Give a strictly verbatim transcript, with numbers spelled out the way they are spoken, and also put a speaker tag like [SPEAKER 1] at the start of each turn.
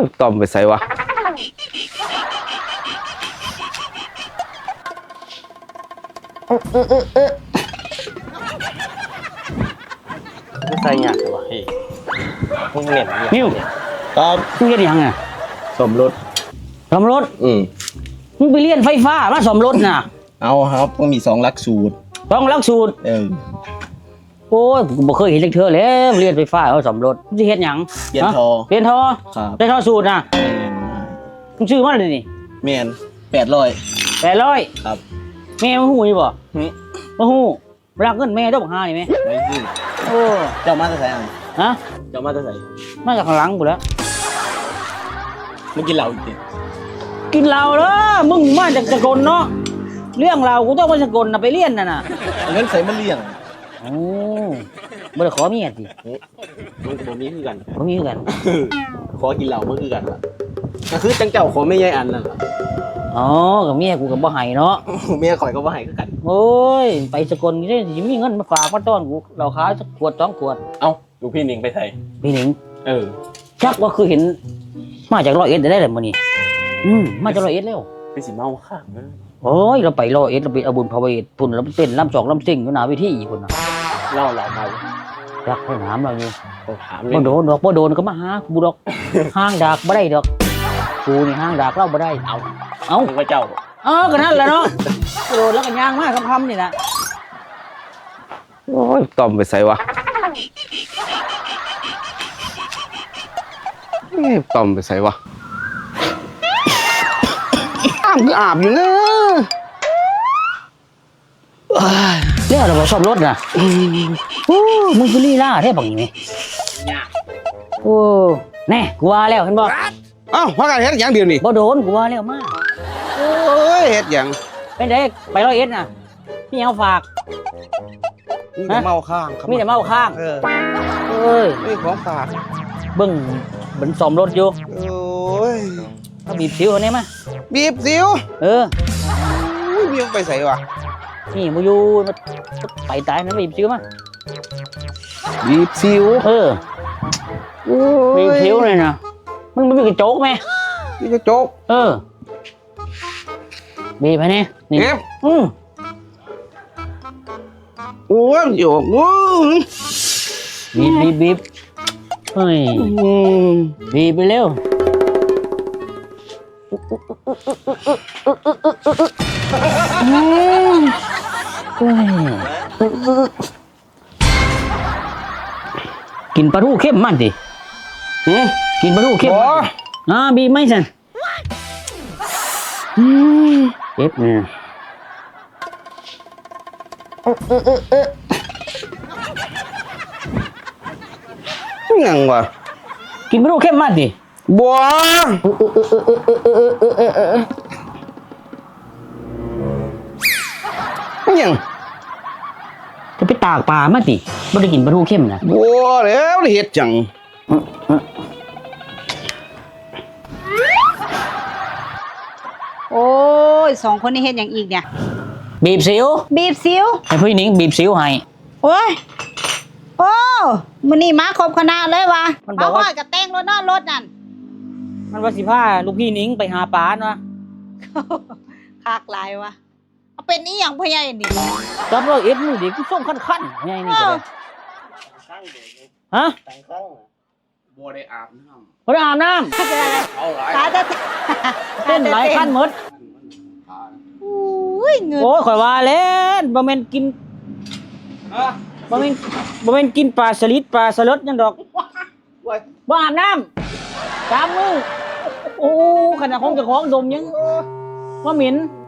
[SPEAKER 1] ต่อมไปใส่วะ
[SPEAKER 2] ไม่ใส่หยาดเลยวะเฮ้ยมึงเหม็นเนี่ย
[SPEAKER 3] นิ้ว
[SPEAKER 2] ครับ
[SPEAKER 3] มึงเฮ็ดหยังอ่ะ
[SPEAKER 2] สมรส
[SPEAKER 3] ซ่อมรถ
[SPEAKER 2] อืม
[SPEAKER 3] มึงไปเรียนไฟฟ้ามาซ่อมรถน่ะ
[SPEAKER 2] เอาครับต้องมีสองหลักสูตร
[SPEAKER 3] ต้องหลักสูตร
[SPEAKER 2] เออ
[SPEAKER 3] โอ้ยกูบ่เคยเห็นจักเทื่อแล้วเรียนไฟฟ้าเอาซ่อมรถมึงสิเฮ็ดหยัง
[SPEAKER 2] เปลี่ยนทอ
[SPEAKER 3] เปลี่ยนทอ
[SPEAKER 2] ครับ
[SPEAKER 3] ได้ทอสูตรน่ะมึงซื้อมาเลยนี่
[SPEAKER 2] แมนแปดร้อย
[SPEAKER 3] แปดร้อย
[SPEAKER 2] ครับ
[SPEAKER 3] แม่มาฮู้อยู่บ่
[SPEAKER 2] หึ
[SPEAKER 3] มาฮู้รักเงินแม่เจ้าบักหานี่แม่
[SPEAKER 2] ไม่ซื้อ
[SPEAKER 3] โอ้
[SPEAKER 2] เจ้ามาจะใส่อัน
[SPEAKER 3] ฮะ
[SPEAKER 2] เจ้ามาจะใส่
[SPEAKER 3] มาจากข้างหลังกูแล้ว
[SPEAKER 2] มึงกินเหล้าอีกที
[SPEAKER 3] กินเหล้าเด้อมึงมาจากสกลเนาะเรื่องเรากูต้องไปสกลน่ะไปเรียนน่ะน่ะ
[SPEAKER 2] เอาเงินใส่มาเลี้ยง
[SPEAKER 3] โอ้บ่ได้ขอเมียติ
[SPEAKER 2] มึงกับผมนี้คือกัน
[SPEAKER 3] บ่มีคือกัน
[SPEAKER 2] ขอกินเหล้าเมื่อคือกันล่ะก็คือจังเจ้าขอไม่ใหญ่อันนั่นล่ะ
[SPEAKER 3] อ๋อกับเมียกูก็บ่ให้เนาะ
[SPEAKER 2] เมียข่อยก็ว่าให้คือกัน
[SPEAKER 3] โอ้ยไปสกลนี่สิมีเงินมาฝากมาต้อนกูเราขายสักขวดสองขวด
[SPEAKER 2] เอ้าลูกพี่หนิงไปใส่
[SPEAKER 3] พี่หนิง
[SPEAKER 2] เออ
[SPEAKER 3] จักว่าคือเห็นมาจากร้อยเอ็ดได้เลยมื้อนี้อืมมาจากร้อยเอ็ดแล้ว
[SPEAKER 2] ไปสิเมาข้างนะ
[SPEAKER 3] โอ้ยเราไปร้อยเอ็ดเราไปเอาบุญพระเวทพุ่นเราไปเต้นลำสองลำซิ่งอยู่หน้าเวทีอีกพุ่นน่ะ
[SPEAKER 2] เล่าเหล้าเมา
[SPEAKER 3] จักให้ถามเราอยู่
[SPEAKER 2] ต้องถามเล
[SPEAKER 3] บ่
[SPEAKER 2] ย
[SPEAKER 3] โดนดอกบ่โดนก็มาหากูดอก ห้างดากบ่ได้ดอกกูนี่ห้างดากเราบ่ได้เอาเอา
[SPEAKER 2] มึงว่าเจ้า
[SPEAKER 3] เออก็นั่นแหละเนาะโดนแล้วก็ย่างมาคำๆนี่แหละ
[SPEAKER 1] โอ้ยต่อมไปใส่วะเอ๊ะต่อมไปใส่วะอาบก็อาบอยู่นะ
[SPEAKER 3] เรียกเราบ่ชอบรถน่ะโอ้มึงคือลีลาแท้บักนี่โอ้แน่กูว่าแล้วเห็นบ่
[SPEAKER 1] เอ้าว่ากันเฮ็ดอย่างเดียวนี่
[SPEAKER 3] บ่โดนกูว่าแล้วมา
[SPEAKER 1] โอ้ยเฮ็ดอย่าง
[SPEAKER 3] เป็นไดไปร้อยเอ็ดน่ะพี่เอาฝาก
[SPEAKER 1] มีแต่เมาข้างครับ
[SPEAKER 3] มีแต่เมาข้าง
[SPEAKER 1] เออ
[SPEAKER 3] เอ้ย
[SPEAKER 1] ไม่ของฝาก
[SPEAKER 3] เบิ่งเบิ่นซ่อมรถอยู่
[SPEAKER 1] โอ้ย
[SPEAKER 3] เอาบีบสิวอันนี้มา
[SPEAKER 1] บีบสิว
[SPEAKER 3] เออ
[SPEAKER 1] อุ้ยบีบไปใส่วะ
[SPEAKER 3] นี่มึงอยู่มาไปตายนั้นบีบสิวมา
[SPEAKER 1] บีบสิว
[SPEAKER 3] เออ
[SPEAKER 1] โอ้
[SPEAKER 3] บี
[SPEAKER 1] ย
[SPEAKER 3] บสิวเลยนะมึงไม่มีกระจกไหม
[SPEAKER 1] นี่จะโจ๊ก
[SPEAKER 3] เออบีบไปนี่นี่
[SPEAKER 1] เก็บ
[SPEAKER 3] อืม
[SPEAKER 1] โอ้ยโยกโอ้ย
[SPEAKER 3] บีบบีบบีบเฮ้ย
[SPEAKER 1] อืม
[SPEAKER 3] บีบไปเร็วอืมเฮ้ยกินปลาทูเข้มมันดิ
[SPEAKER 1] หืม
[SPEAKER 3] กินปลาทูเข้ม
[SPEAKER 1] บ่
[SPEAKER 3] อ่าบีบไหมสันอืมเจ็บเนี่ย
[SPEAKER 1] ยังวะ
[SPEAKER 3] กินปลาทูเข้มมันดิ
[SPEAKER 1] บัวยัง
[SPEAKER 3] จะไปตากปลามาดิไม่ได้กินปลาทูเข้มนะ
[SPEAKER 1] บัวแล้วเฮ็ดจัง
[SPEAKER 4] โอ้ยสองคนนี้เห็นอย่างอีกเนี่ย
[SPEAKER 3] บีบสิว
[SPEAKER 4] บีบซิว
[SPEAKER 3] ให้พี่หนิงบีบสิวให้
[SPEAKER 4] โอ้ยโอ้มันนี่มาครบคณะเลยวะ
[SPEAKER 3] มันบอกว่า
[SPEAKER 4] เกับแต่งรถนอนรถนั่น
[SPEAKER 3] มันว่าสิพาลูกพี่หนิงไปหาปลาเนาะ
[SPEAKER 4] คากหลายวะเอาเป็นนี้อย่างพ่อใหญ่นี่
[SPEAKER 3] จับเราเอ็ดมือดิกูส่งขั้นขั้นไงนี่ก็เลยฮะ
[SPEAKER 1] บัวได้อาบน้
[SPEAKER 3] พอได้อาบน้
[SPEAKER 1] ำเอาหลาย
[SPEAKER 4] ตาจะ
[SPEAKER 3] ำเต้นหลายขั้นหมด
[SPEAKER 4] อุ้ยเงิน
[SPEAKER 3] โอ้ยข่อยว่าเล่นบ่แม่นกินบ่แม่นบ่แม่นกินปลาสลิดปลาสลดหยังดอกบ่อาบน้ำสามมือโอ้ขนาดของเจ้าของดมยังว่าเหม็น